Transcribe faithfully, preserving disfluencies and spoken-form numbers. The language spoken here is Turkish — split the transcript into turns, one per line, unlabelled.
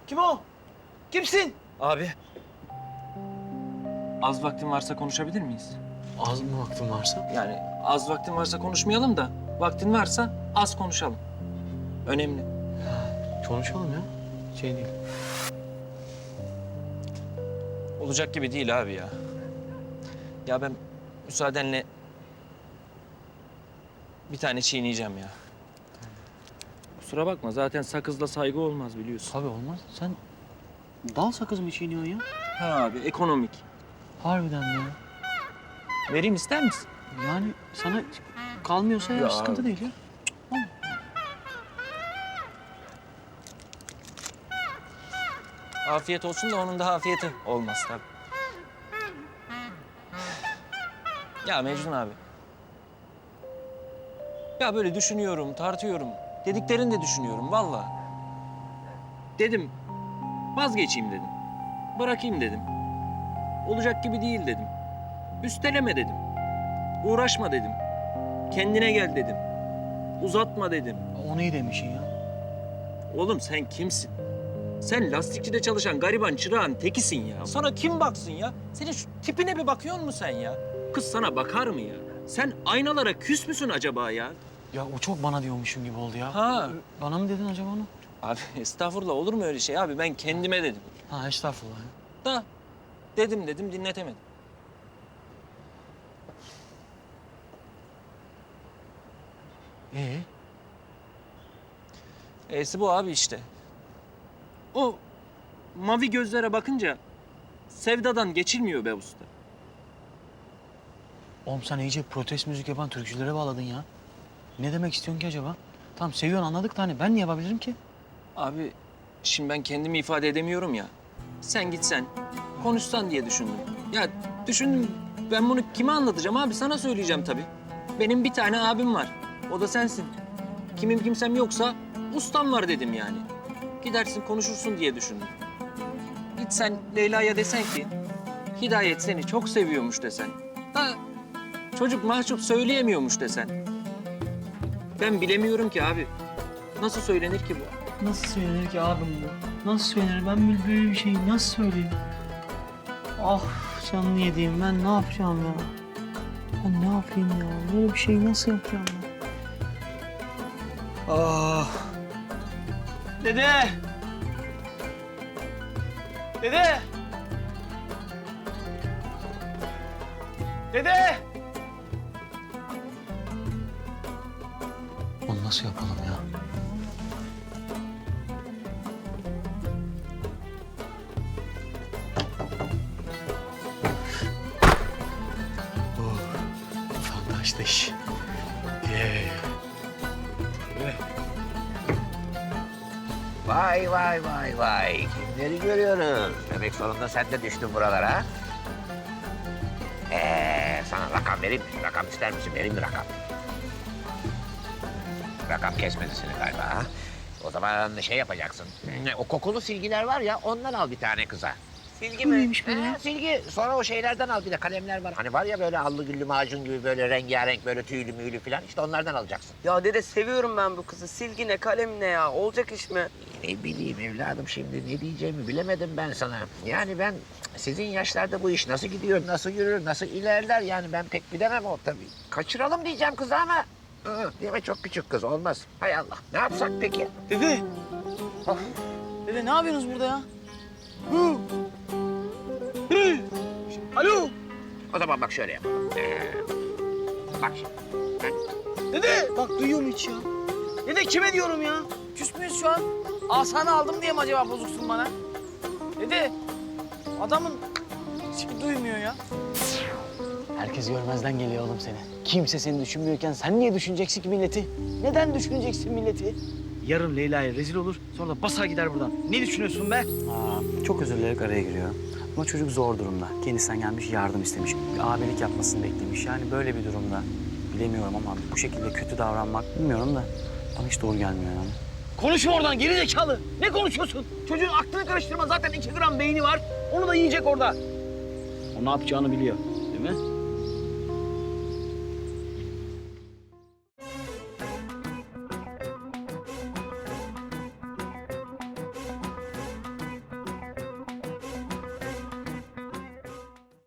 Kim o? Kimsin?
Abi. Az vaktin varsa konuşabilir miyiz?
Az mı vaktin varsa?
Yani az vaktin varsa konuşmayalım da vaktin varsa az konuşalım. Önemli.
Konuşalım ya. Şey değil.
Olacak gibi değil abi ya. Ya ben müsaadenle bir tane çiğneyeceğim ya. Kusura bakma zaten sakızla saygı olmaz biliyorsun.
Tabii olmaz. Sen dal sakız mı çiğniyorsun ya?
Ha abi ekonomik.
Harbiden mi ya?
Vereyim ister misin?
Yani sana kalmıyorsa ya,
Ya
sıkıntı
abi.
değil ya.
Afiyet olsun da onun da afiyeti olmaz tabii. Ya Mecnun abi. Ya böyle düşünüyorum, tartıyorum. Dediklerini de düşünüyorum vallahi. Dedim vazgeçeyim dedim. Bırakayım dedim. Olacak gibi değil dedim. Üsteleme dedim. Uğraşma dedim. Kendine gel dedim. Uzatma dedim.
Onu iyi demişsin ya.
Oğlum sen kimsin? Sen lastikçide çalışan gariban çırağın tekisin ya. Sana kim baksın ya? Senin şu tipine bir bakıyor musun sen ya? Kız sana bakar mı ya? Sen aynalara küs müsün acaba ya?
Ya o çok bana diyormuşum gibi oldu ya.
Ha.
Bana mı dedin acaba onu?
Abi estağfurullah olur mu öyle şey abi? Ben kendime dedim.
Ha estağfurullah. ya.
Da dedim dedim dinletemedim.
Ee?
E'si bu abi işte. O mavi gözlere bakınca sevdadan geçilmiyor be usta.
Oğlum sen iyice protest müzik yapan türkücülere bağladın ya. Ne demek istiyorsun ki acaba? Tamam seviyorsun anladık da hani ben ne yapabilirim ki?
Abi şimdi ben kendimi ifade edemiyorum ya. Sen gitsen, konuşsan diye düşündüm. Ya düşündüm ben bunu kime anlatacağım abi? Sana söyleyeceğim tabii. Benim bir tane abim var. O da sensin. Kimim kimsem yoksa ustam var dedim yani. Gidersin konuşursun diye düşündüm. Gitsen Leyla'ya desen ki Hidayet seni çok seviyormuş desen. Da çocuk mahcup söyleyemiyormuş desen. Ben bilemiyorum ki abi. Nasıl söylenir ki bu?
Nasıl söylenir ki abim bu? Nasıl söylenir? Ben böyle bir şeyi nasıl söyleyeyim? Ah canını yediğim ben ne yapacağım ya? Ben ne yapayım ya? Böyle bir şeyi nasıl yapacağım ben? Ah. Dede! Dede! Dede! Onu nasıl yapalım ya? Oh, fantastisch. Yeah.
Vay vay vay vay. Kimleri görüyoruz? Demek sonunda sen de düştün buralara. Ee, sana rakam vereyim mi? Rakam ister misin? Vereyim mi rakam? Rakam kesmedi seni galiba. Ha? O zaman şey yapacaksın. O kokulu silgiler var ya ondan al bir tane kıza.
Silgi
Bu
mi?
neymiş böyle ya?
Ee, silgi. Sonra o şeylerden al bir de kalemler var. Hani var ya böyle allı güllü macun gibi böyle rengarenk böyle tüylü müylü falan. İşte onlardan alacaksın.
Ya dede seviyorum ben bu kızı. Silgi ne, kalem ne ya? Olacak iş mi?
Ne bileyim evladım şimdi ne diyeceğimi bilemedim ben sana. Yani ben sizin yaşlarda bu iş nasıl gidiyor, nasıl yürür, nasıl ilerler yani ben pek bilemem o tabii. Kaçıralım diyeceğim kızı ama hı, değil mi çok küçük kız olmaz. Hay Allah ne yapsak peki?
Dede!
Of.
Dede ne yapıyorsunuz burada ya? Hı. Hı. Alo!
O zaman bak şöyle yapalım. Ee, bak şimdi.
Dede! Bak duyuyorum hiç ya. Dede kime diyorum ya? Küs müyüz şu an? Asanı aldım diye mi acaba bozuksun bana? Dede! Adamın hiçbir duymuyor ya. Herkes görmezden geliyor oğlum seni. Kimse seni düşünmüyorken sen niye düşüneceksin ki milleti? Neden düşüneceksin milleti? Yarın Leyla'ya rezil olur, sonra da basar gider buradan. Ne düşünüyorsun be?
Aa, çok özür dileyerek araya giriyorum. Ama çocuk zor durumda. Kendisinden gelmiş, yardım istemiş. Bir abilik yapmasını beklemiş. Yani böyle bir durumda bilemiyorum ama bu şekilde kötü davranmak bilmiyorum da bana hiç doğru gelmiyor yani.
Konuşma oradan geri zekalı. Ne konuşuyorsun? Çocuğun aklını karıştırma. Zaten iki gram beyni var. Onu da yiyecek orada. O ne yapacağını biliyor, değil mi?